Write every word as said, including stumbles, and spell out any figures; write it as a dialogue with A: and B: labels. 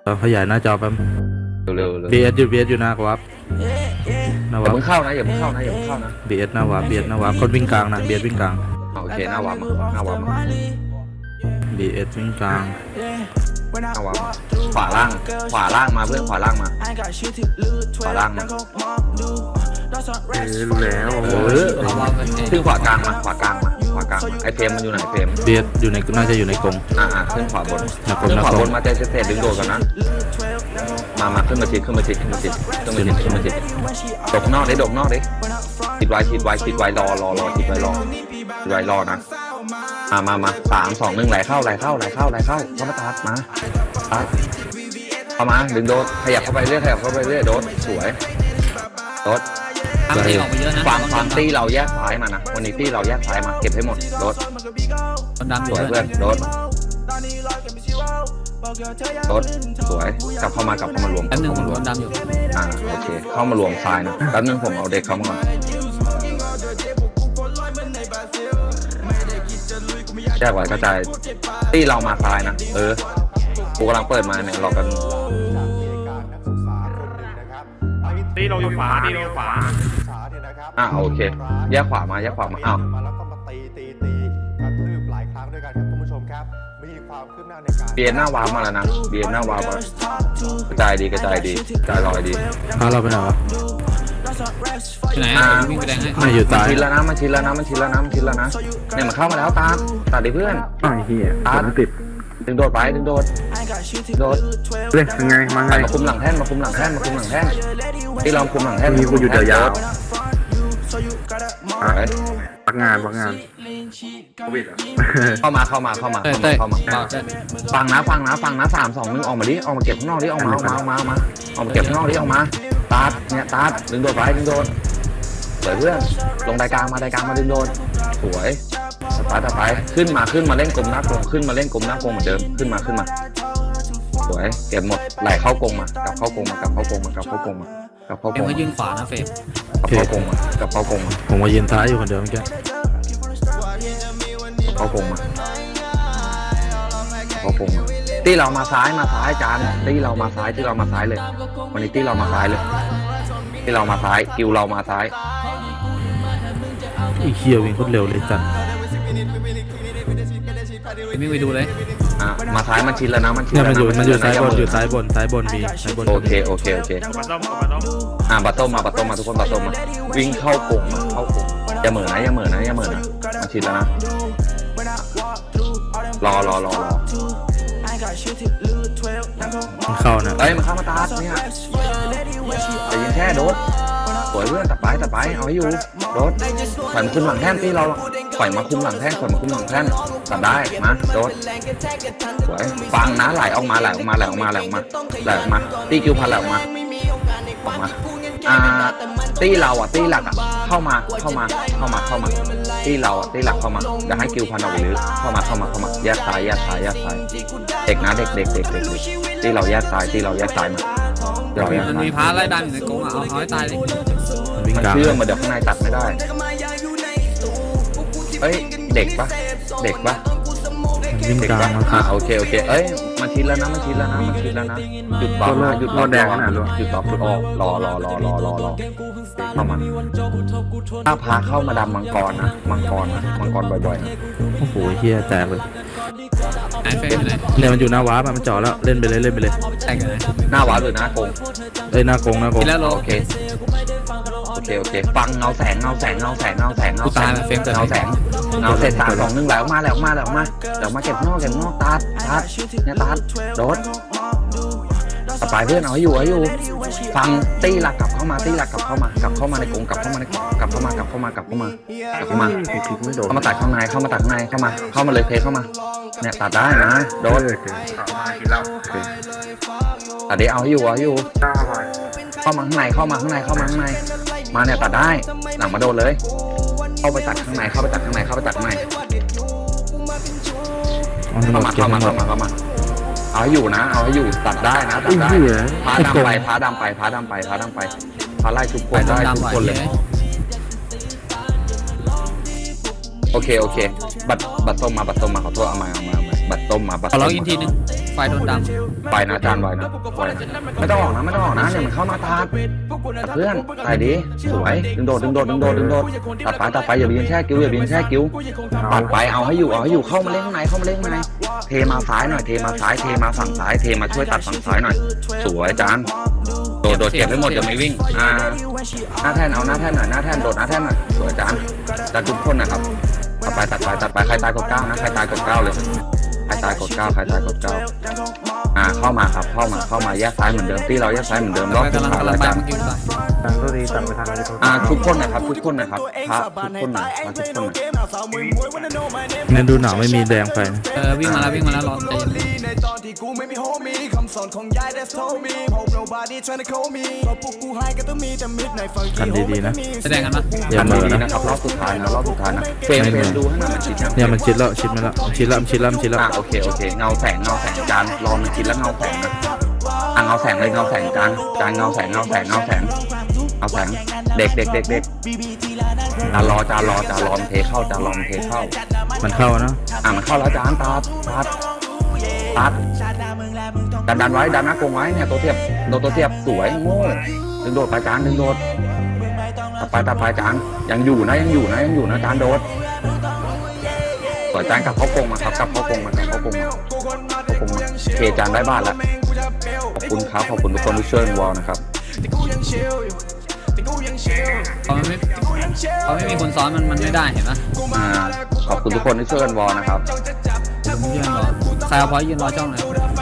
A: ขยายหน้าจอแป๊บ
B: เร็วๆเลย
A: บี เอส อยู่ บี เอส อยู่หน้าวับหน้า
B: อย่า
A: วับ
B: เพิ่งเข้านะอย่าเพิ่งเข้านะอย่าเพิ่งเข้านะ
A: บี เอส หน้าวับ บี เอส หน้าวับคนวิ่งกลางนะ บี เอส วิ่งกลาง
B: โอเคหน้าวามาหน้าวามา
A: บี เอส วิ่งกลาง
B: หน้าวามาขวาล่างขวาล่างมาเพื่อนขวาล่างมาขวาล่างมา
C: รู้แล้ว
B: เออขึ้นขวากลางมาขวากลางมาขวากลางมาไอเฟรมมันอยู่ไหนเฟรม
A: บี เอส อยู่ในน่าจะอยู่ในกรง
B: อ่าอ่าขึ้นขวาบน
A: หนักก
B: ขึ้น
A: หนัก
B: ขวาก
A: รง
B: บนมาเจเศษดึงโดดกันนะมามาขึ้นมาชิดขึ้นมาชิดขึ้นมาชิดขึ้นมาชิดขึ้นมาชิดดกนอกดิดกนอกดิชิดไว้ชิดไว้ชิดไว้รอรอรอชิดไว้รอชิดไว้รอนะมามามาสามสองหนึ่งไหลเข้าไหลเข้าไหลเข้าไหลเข้าเข้ามาตัดมาตัดเข้ามาดึงโดดขยับเข้าไปเรื่อยขยับเข้าไปเรื่อยโดดสวยโดด
D: ทำตีออกไปเยอะนะ
B: ฟังฟังตี้เราแยกซ้ายมานะวันนี้ตี้เราแยกซ้ายมาเก็บให้หมดโดด
D: คนดำอ
B: ส
D: ยู่
B: วย
D: เพื่
B: เพื่
D: อ
B: อน นโดดโดดสวยกลับเข้ามากลับเข้ามารวม
D: แป๊บนึง
B: เข้ามาร
D: คว
B: ม
D: นดำอยู่
B: อ่าโอเคเข้ามารวมซ้ายนะแป๊บนึงผมเอาเด็กเข้ามาก่อนแยกไว้กระจายตี้เรามาซ้ายนะเออกูกำลังเปิดมาเนี่ยรอกัน
C: ตีเราอยู่ขวาตีเราอยู่ขวา
B: อ่าโอเคแยกขวามาแยกขวามาอ้าว
E: มาแล้วก็มาตีตีตีกระทืบหลายครั้งด้วยกันครับท่านผู้ชมครับมีความคืบหน้าในการ
B: เบียนหน้าวาร์ปมาแล้วนะเบียนหน้าวาร์ปมากระจายดีกระจายดีกระจายลอยดี
A: พาเราไปไหนวะ
D: ที่ไหน
B: อ่า
D: อ่ะวิ่งไปแดงให้
A: ไม่อยู่
B: มัน
A: ซ้าย
B: ชินแล้วนะมันชินแล้วนะมันชินแล้วนะมันชินแล้วนะเนี่ยมันเข้ามาแล้วตามตัดดิเพื่อน
C: อ้าวเฮียผมติด
B: ดึงโดดไปดึงโดดโดด
C: เฮ้ยยังไงมาไง
B: ไปมาคุมหลังแท่นมาคุมหลังแท่นมาคุมหลังแท่นที่เราคุมหลังแท่น
C: มีกูอยู่เดียวยาว
B: เอาไว้
C: พักงานพักงานโควิดอ่ะ
B: เข้ามาเข้ามาเข้ามา
D: เต้ย
B: เข้ามา
D: เต้ย
B: เข้ามา
D: เบาเต้ย
B: ฟังนะฟังนะฟังนะสามสองหนึ่งออกมาดิออกมาเก็บข้างนอกดิออกมาออกมาออกมาออกมาออกมาเก็บข้างนอกดิออกมาตาดเนี่ยตาดดึงโดดไปดึงโดดสวยเพื่อนลงไดกลางมาไดกลางมาดึงโดดสวยไปต่อไปขึ้นมาขึ้นมาเล่นกลมหน้ากลมขึ้นมาเล่นกลมหน้ากลมเหมือนเดิมขึ้นมาขึ้นมาสวยเก็บหมดไหลเข้ากลมมากลับเข้ากลมมากลับเข้ากลมมากลับเข้ากลมมากลับเข้าก
D: เอ็
B: ล
D: ม
B: ม
D: ก็
B: มา
D: ยืนขวานะเฟรม
B: กลับเข้ากลมมากลับเข้ากลมมา
A: ผมมายืนซ้ายอยู่คนเดียวเมื่อกี้
B: เข้ากลมมาเข้ากลมมาตีเรามาซ้ายมาซ้ายจานตีเรามาซ้ายตีเรามาซ้ายเลยวันนี้ตีเรามาซ้ายเลยตีเรามาซ้ายกิวเรามาซ้าย
A: อีเคียวิ่งโคตรเร็วเลยจัด
D: วิ่งไปดูเลย
B: อ่ะมาซ้ายมันชินแล้วนะมันชิน
A: เนี่ย
B: แล้ว
A: มันอยู่
B: นะ
A: มันอยู่
B: ชิ
A: ซ้าย
B: แล้ว
A: บน
B: นะ
A: อยู่ซ้ายบนซ้ายบนมีซ้ายบน
B: โอเคโอเคโอเค
C: มาต้มมาต้ม
B: อ่ะบัตโต้มมาบัตโต้มมาทุกคนบัตโต้มมาวิ่งเข้ากรงมาเข้ากรงอย่าเหม่อนะอย่าเหม่อนะอย่าเหม่อนะมันชินแล้วนะรอรอรอรอ
A: มันเข้านะ
B: เอ้ยมันเข้ามาตาดเนี่ยแต่ยิงแค่โดดสวยเพื่อนตัดไปตัดไปเอาให้อยู่โดดถอยมาคุมหลังแท่นที่เราถอยมาคุมหลังแท่นถอยมาคุมหลังแท่นตัดได้มาโดดสวยฟังนะไหลออกมาไหลออกมาไหลออกมาไหลออกมาไหลออกมาตีคิวพันไหลออกมาออกมาอ่าตีเราอ่ะตีหลักอ่ะเข้ามาเข้ามาเข้ามาเข้ามาตีเราอ่ะตีหลักเข้ามาอย่าให้คิวพันออกไปเลยเข้ามาเข้ามาเข้ามาแยกซ้ายแยกซ้ายแยกซ้ายเด็กนะเด็กเด็กเด็กเด็กตีเราแยกซ้ายตีเราแยกซ้ายมาเราแยก
D: มัน
B: ซ้าย
D: มีพาไล่ดันอยู่ในกรงอ่ะเอาเอาให้ตายเลย
A: มันวิ่ง
B: มัน
A: กลาง
B: เชื่อมมาเดี๋ยวข้างในตัดไม่ได้เอ้ยเด็กปะเด็กปะ
A: มันวิ่ง
B: เด็ก
A: กลาง
B: ปะ
A: มาครั
B: อ่า
A: บ
B: โอเคโอเคเอ้ยมันชินแล้วนะมันชินแล้วนะมันชินแล้วนะหยุดต่อนะหยุดต่อหยุดต่อฟุตออกรอรอรอรอรอรอเข้ามาถ้าพาเข้ามาดำมังกรนะมังกรนะมังกรบ่อยๆนะ
A: โอ้โหเฮียแตกเลย
D: ไหนเฟรมอยู่ไหน
A: เนี่ยมันอยู่หน้าว้ามันจ่อแล้วเล่นไปเลยเล่นไปเลย
D: แตกอยู่ไหน
B: หน้าหวานหรือหน้าโกง
A: เอ้ยหน้ากรงหน้ากรง
D: กินแล้วโล
B: โอเคโอเคโอเคฟังเงาแสงเงาแสงเงาแสงเงาแสงเงา
D: กู
B: แส
D: ตาย
B: ง
D: แล้วเฟรมเกิด
B: เงาแสงเงาเสร็จสามสองหนึ่งไหลออกมาไหลออกมาไหลออกมาไหลออกมาเก็บนอกเก็บนอกตัดตัดเนี่ยตัดโดดต่อไปเพื่อนเอาให้อยู่ให้อยู่ฟังตีหลักกลับเข้ามาตีหลักกลับเข้ามากลับเข้ามาในกรงกลับเข้ามาในกรงกลับเข้ามากลับเข้ามากลับเข้ามากลับเข้ามา
C: ผมคลิกไม่โดน
B: เข้ามาตัดข้างในเข้ามาตัดข้างในเข้ามาเข้ามาเลยเพเข้ามาเนี่ยตัดได้นะโดด
C: เออเกินเอามากินเหล้าโอเค
B: ตัดได้เอาให้อยู่เอาให้อยู่
C: ข้าวไป
B: เข้ามาข้างในเข้ามาข้างในเข้ามาข้างในมาเนี่ยตัดได้หลังมาโดนเลย เข้าไปตัดข้างในเข้าไปตัดข้างในเข้าไปตัดข้างใน
A: เอาให้หม
B: เข้า
A: ด
B: มา
A: เก็บ
B: เข้า
A: ให้
B: มา
A: หม
B: เข้า
A: ด
B: มาเข้ามาเอาให้อยู่นะเอาให้อยู่ตัดได้นะตั
C: ไอ้
B: ดได้
C: เหี้ย
B: พาดำไปพาดำไปพาดำไปพาดำไปพาไล่ทุกค
D: ไป
B: น
D: ต้
B: ได้
D: อง
B: ทุก
D: ดำกว่า
B: คนเล
D: เฮ้
B: ย
D: ย
B: โอเคโอเคบัตรบัตรต้มมาบัตรต้มมาขอโทษเอามาเอามาเอามาบัตรต้มมาบัตร
D: ขอ
B: ต้ม
D: ล็อก
B: มา
D: อินทีนึงไฟโดนด
B: ไปนะจานไว้นะไว้ไม่ต้องออกนะไม่ต้องออกนะเนี่ยมันเข้ามาตัดเพื่อนตายดีสวยดึงโดดดึงโดดดึงโดดดึงโดดตัดไปตัดไปอย่าไปยืนแช่กิ้วอย่าไปยืนแช่กิ้วปัดไปเอาให้อยู่เอาให้อยู่เข้ามาเล่นข้างในเข้ามาเล่นข้างในเทมาซ้ายหน่อยเทมาซ้ายเทมาฝั่งซ้ายเทมาช่วยตัดฝั่งซ้ายหน่อยสวยจานโดดโดดเก็บให้หมดอย่าไม่วิ่งอ่าหน้าแท่นเอาหน้าแท่นหน่อยหน้าแท่นโดดหน้าแท่นหน่อยสวยจานจานทุกคนนะครับตัดไปตัดไปตัดไปใครตายกดเก้านะใครตายกดเก้าเลยใครตายกดเก้าใครตายกดเก้าอ่าเข้ามาครับเข้ามาเข้ามาแยกซ้ายเหมือนเดิมที่เราแยกซ้ายเหมือนเดิม
D: ำ
B: รอบ
D: กำลัง
B: สุดท้าย
D: กำลั
B: แล้
D: ง
B: ว
D: ไป
B: จาน
D: เมื่อกี้ตาย
E: ทางตัวดีตัดไปทางอะไรตัว
B: อ่าทุกคนนะครับทุกคนนะครับพระทุกคนหน่อยมาทุกคนหน่อย
A: เนี่ยดูหนาวไม่มีแดงไฟนะ
D: เออวิ่งมาแล้ววิ่งมาแล้วรอใจเย็น
F: ในตอนที่กูไม่มีโฮมีคำสอนของยาย that's told me hope nobody trying to call me เพราะพวกกูให้ก็ต้องมีแต่มิดในฟัง
A: กันดีๆนะ
D: แสดงกันปะ
A: อย่า
B: ทำ
A: เหมือ
B: ดีๆ
A: นะ
B: นะครับรอบสุดท้ายนะรอบสุดท้ายนะเฟรมเฟรมดูให้หน่อยมันชิดยัง
A: เนี่ยมันชิดแล้วชิดมาแล้วชิดแล้วชิดแล้วชิดแล้ว
B: อ่าโอเคโอเคเงาแสงเงาแสงจานรอมันชิดแล้วเงาแสงนะอ่ะเงาแสงเลยเงาแสงจานจานเงาแสงเงาแสงเงาแสงเงาแสงเด็กเด็กเด็กเด็กจานรอจานรอจานรอมันเทเข้าจานรอมันเทเข้า
A: มันเข้านะ
B: อ่ะมันเข้าแล้วจานตาตัดตัดดันดันไว้ดันหน้ากรงไว้เนี่ยตัวเทียบโดนตัวเทียบสวยโง่ดึงโดดไปจานดึงโดดตัดไปตัดไปจานยังอยู่นะยังอยู่นะยังอยู่นะจานโดดสวยจานกลับเข้ากรงมาครับกลับเข้ากรงมากลับเข้ากรงมาเข้ากรงมาเคจานได้บ้านแล้วขอบคุณครับขอบคุณทุกคนที่ช่วยวอลนะครับ
D: พอมันไม่พอไม่มีคนซ้อนมันมันไม่ได้เห็นปะ
B: อ่าขอบคุณทุกคนที่ช่วยกันวอลนะครับ
D: ยืนรอใครเอาพอยยืนรอจ้องเลย